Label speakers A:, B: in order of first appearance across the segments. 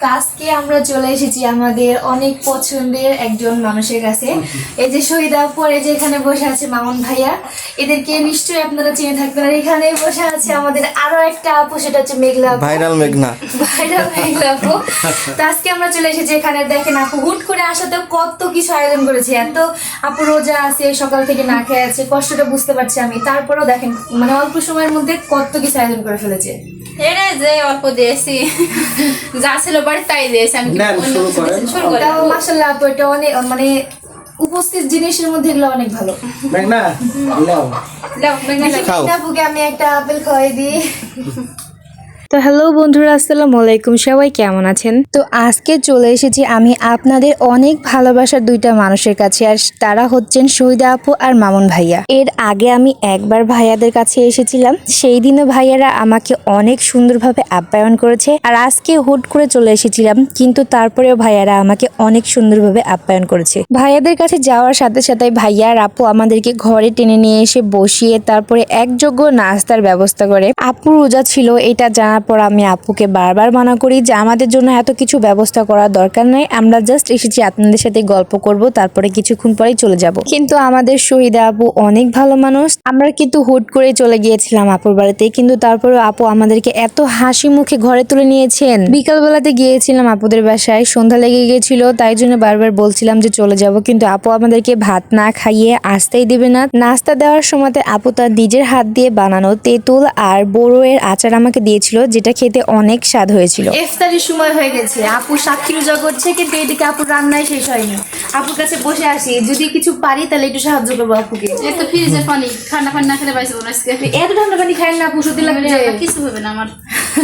A: তো আজকে আমরা চলে এসেছি আমাদের অনেক পছন্দের একজন মানুষের কাছে। এই যে শহীদা পরে যে এখানে বসে আছে মামুন ভাইয়া, এদেরকে নিশ্চয়ই আপনারা চিনে থাকবেন। আর এখানে বসে আছে আমাদের আরো একটা আপু, সেটা হচ্ছে মেঘলা আপু।
B: ভাইরাল মেঘনা
A: আপু। তো আজকে আমরা চলে এসেছি এখানে। দেখেন আপু হুট করে আসাতেও কত কিছু আয়োজন করেছে। এত আপু রোজা আছে, সকাল থেকে না খেয়ে আছে, কষ্টটা বুঝতে পারছি আমি। তারপরেও দেখেন মানে অল্প সময়ের মধ্যে কত কিছু আয়োজন করে ফেলেছে।
C: এটা যে অল্প দিয়েছি, যা ছিল বাড়ি তাই দিয়েছি আমি।
A: মাশাআল্লাহ আপু, এটা অনেক মানে উপস্থিত জিনিসের মধ্যে এগুলো অনেক ভালো।
B: মেঘনা লাও খাও।
A: আপুকে আমি একটা আপেল খাওয়াই দিই। তো হ্যালো বন্ধুরা, আসসালামু আলাইকুম, সবাই কেমন আছেন? তো আজকে চলে এসেছি আমি আপনাদের অনেক ভালোবাসার দুইটা মানুষের কাছে, আর তারা হচ্ছেন শহীদা আপু আর মামুন ভাইয়া। এর আগে আমি একবার ভাইয়াদের কাছে এসেছিলাম, সেই দিনও ভাইয়ারা আমাকে অনেক সুন্দরভাবে আপ্যায়ন করেছে। আর আজকে হুট করে চলে এসেছিলাম, কিন্তু তারপরেও ভাইয়ারা আমাকে অনেক সুন্দরভাবে আপ্যায়ন করেছে। ভাইয়াদের কাছে যাওয়ার সাথে সাথে ভাইয়া আর আপু আমাদেরকে ঘরে টেনে নিয়ে এসে বসিয়ে তারপরে একযোগ্য নাস্তার ব্যবস্থা করে। আপু রোজা ছিল, এটা জানার পর আমি আপুকে বারবার মানা করি যে আমাদের জন্য এত কিছু ব্যবস্থা করার দরকার নেই, আমরা জাস্ট এসেছি আপনাদের সাথে গল্প করব, তারপরে কিছুক্ষণ পরেই চলে যাব। কিন্তু আমাদের শহীদা আপু অনেক ভালো মানুষ। আমরা কিন্তু হুট করে চলে গিয়েছিলাম আপুর বাড়িতে, কিন্তু তারপরে আপু আমাদেরকে এত হাসি মুখে ঘরে তুলে নিয়েছেন। বিকালবেলাতে গিয়েছিলাম আপুদের বাসায়, সন্ধ্যা লেগে গিয়েছিল, তাই জন্য বারবার বলছিলাম যে চলে যাব, কিন্তু আপু আমাদেরকে ভাত না খাইয়ে আসতেই দেবে না। নাস্তা দেওয়ার সময় আপু তার নিজের হাত দিয়ে বানানো তেঁতুল আর বড়ইয়ের আচার আমাকে দিয়েছিল, যেটা খেতে অনেক স্বাদ হয়েছিল। ইফতারের সময় হয়ে গেছে, আপু সাক্ষী রোজা করছে, কিন্তু এদিকে আপুর রান্নায় শেষ হয়নি। আপুর কাছে বসে আসি, যদি কিছু পারি তাহলে একটু সাহায্য করবো আপুকে।
C: এই তো ফ্রিজের পানি, ঠান্ডা পানি না খেলে পাইছে না আজকে।
A: এত ঠান্ডা পানি খাই না আপু, সত্যি লাগবে।
C: কিছু হবে না আমার।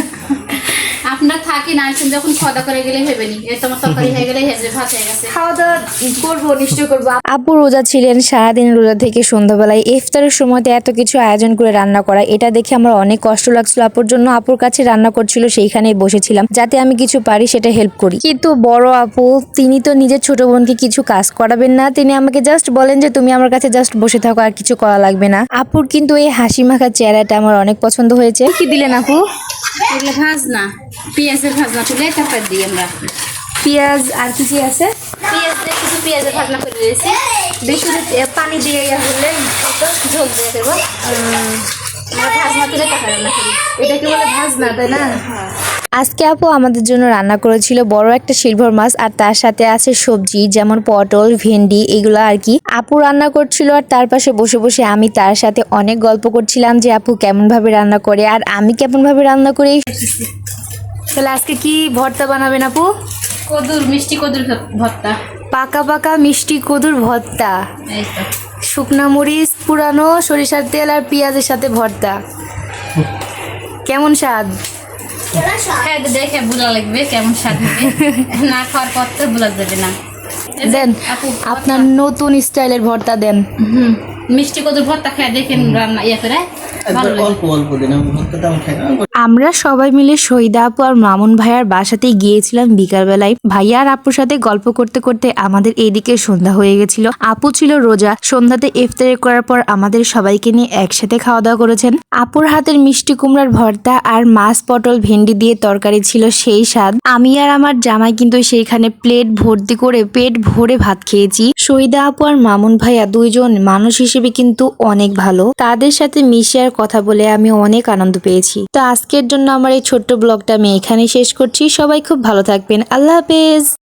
C: আপনার থাকি না, আসেন যখন খাওয়া করে গেলে ভেবে নি তোমার তরকারি হয়ে গেলে ভাত হয়ে গেছে।
A: খাওয়া দাওয়া করবো, নিশ্চয় করবো।
D: আপু রোজা ছিলেন, সারাদিন রোজা থেকে সন্ধ্যাবেলায় ইফতারের সময়তে এত কিছু আয়োজন করে রান্না করা, এটা দেখে আমার অনেক কষ্ট লাগছিল আপুর জন্য। আপুর কাছে রান্না করছিল, সেইখানেই বসেছিলাম যাতে আমি কিছু পারি সেটা হেল্প করি। কিন্তু বড় আপু, তিনি তো নিজের ছোট বোনকে কিছু কাজ করাবেন না, তিনি আমাকে জাস্ট বলেন যে তুমি আমার কাছে জাস্ট বসে থাকো, আর কিছু করা লাগবে না। আপুর কিন্তু এই হাসি মাখা চেহারাটা আমার অনেক পছন্দ হয়েছে। কি দিলেন আপু?
C: এগুলো ভাজনা, পেঁয়াজের ভাজনা তুলে তারপর দিই আমরা
A: পেঁয়াজ। আর কি কি আছে?
C: পেঁয়াজ দিয়ে কিছু পেঁয়াজের ভাজনা করে দিয়েছি,
A: বেশি পানি দিয়ে বললেন
C: ঝোল দিয়ে দেবো। আমরা ভাজনা তুলে তারপর রান্না করি।
A: এটাকে বলে ভাজনা, তাই না?
D: আজকে আপু আমাদের জন্য রান্না করেছিল বড় একটা সিলভার মাছ, আর তার সাথে আছে সবজি যেমন পটল, ভেন্ডি, এগুলো আর কি। আপু রান্না করছিল, আর তার পাশে বসে বসে আমি তার সাথে অনেক গল্প করছিলাম যে আপু কেমন ভাবে রান্না করে আর আমি কেমন ভাবে রান্না করি।
A: তাহলে আজকে কি ভর্তা বানাবেন আপু?
C: কদুর, মিষ্টি কদুর ভর্তা।
A: পাকা পাকা মিষ্টি কদুর ভর্তা,
C: এই তো
A: শুকনা মরিচ, পুরানো সরিষার তেল আর পেঁয়াজের সাথে ভর্তা। কেমন স্বাদ?
C: হ্যাঁ, দেখে বোঝা লাগবে কেমন স্বাদ হবে, না খাওয়ার পর তো বোঝা যাবে না।
A: দেন
C: আপু
A: আপনার নতুন স্টাইলের ভর্তা দেন।
C: মিষ্টি কদুর ভর্তা খেয়ে দেখেন রান্না ইয়ে করে ভালো লাগে।
B: অল্প অল্প দিন ভর্তাটা আমি খাই না।
D: আমরা সবাই মিলে শহীদা আপু আর মামুন ভাইয়ার বাসাতে গিয়েছিলাম বিকালবেলায়। ভাইয়া আর আপুর সাথে গল্প করতে করতে আমাদের এইদিকে সন্ধ্যা হয়ে গেছিল। আপু ছিল রোজা, সন্ধ্যাতে ইফতার করার পর আমাদের সবাইকে নিয়ে একসাথে খাওয়া দাওয়া করেছেন। আপুর হাতের মিষ্টি কুমড়ার ভর্তা আর মাছ, পটল, ভেন্ডি দিয়ে তরকারি ছিল সেই স্বাদ। আমি আর আমার জামাই কিন্তু সেইখানে প্লেট ভর্তি করে পেট ভরে ভাত খেয়েছি। শহীদা আপু আর মামুন ভাইয়া দুইজন মানুষ হিসেবে কিন্তু অনেক ভালো, তাদের সাথে মিশে আর কথা বলে আমি অনেক আনন্দ পেয়েছি। তো আজকের জন্য আমার এই ছোট্ট ব্লগটা আমি এখানে শেষ করছি। সবাই খুব ভালো থাকবেন, আল্লাহ হাফেজ।